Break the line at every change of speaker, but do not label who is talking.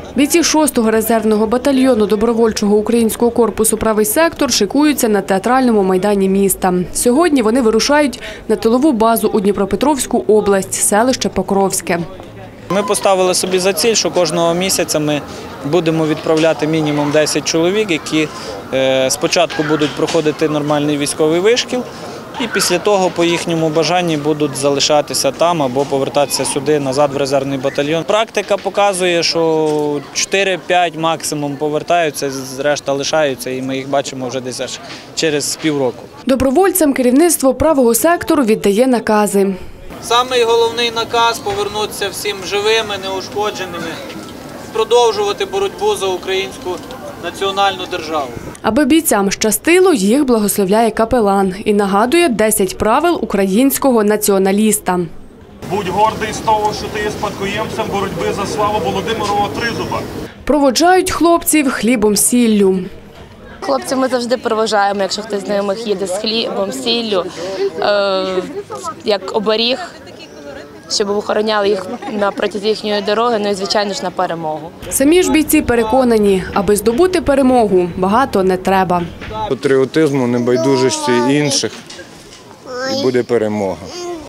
Бійці 6-го резервного батальйону добровольчого українського корпусу «Правий сектор» шикуються на театральному майдані міста. Сьогодні вони вирушають на тилову базу у Дніпропетровську область, селище Покровське.
Ми поставили собі за ціль, що кожного місяця ми будемо відправляти мінімум 10 чоловік, які спочатку будуть проходити нормальний військовий вишкіл, і після того по їхньому бажанні будуть залишатися там або повертатися сюди, назад в резервний батальйон. Практика показує, що 4-5 максимум повертаються, решта лишаються, і ми їх бачимо вже десь через півроку.
Добровольцям керівництво «Правого сектору» віддає накази.
Самий головний наказ – повернутися всім живими, неушкодженими, продовжувати боротьбу за українську національну державу. Аби бійцям щастило, їх благословляє капелан і нагадує 10 правил українського націоналіста.
Будь гордий з того, що ти є спадкоємцем боротьби за славу Володимирова Тризуба.
Проводжають хлопців хлібом-сіллю.
Хлопців ми завжди проважаємо, якщо хтось з знайомих їде з хлібом, сіллю, як оберіг, щоб охороняли їх на протязі їхньої дороги, ну і, звичайно ж, на перемогу.
Самі ж бійці переконані, аби здобути перемогу, багато не треба.
Патріотизму, небайдужості інших, і буде перемога.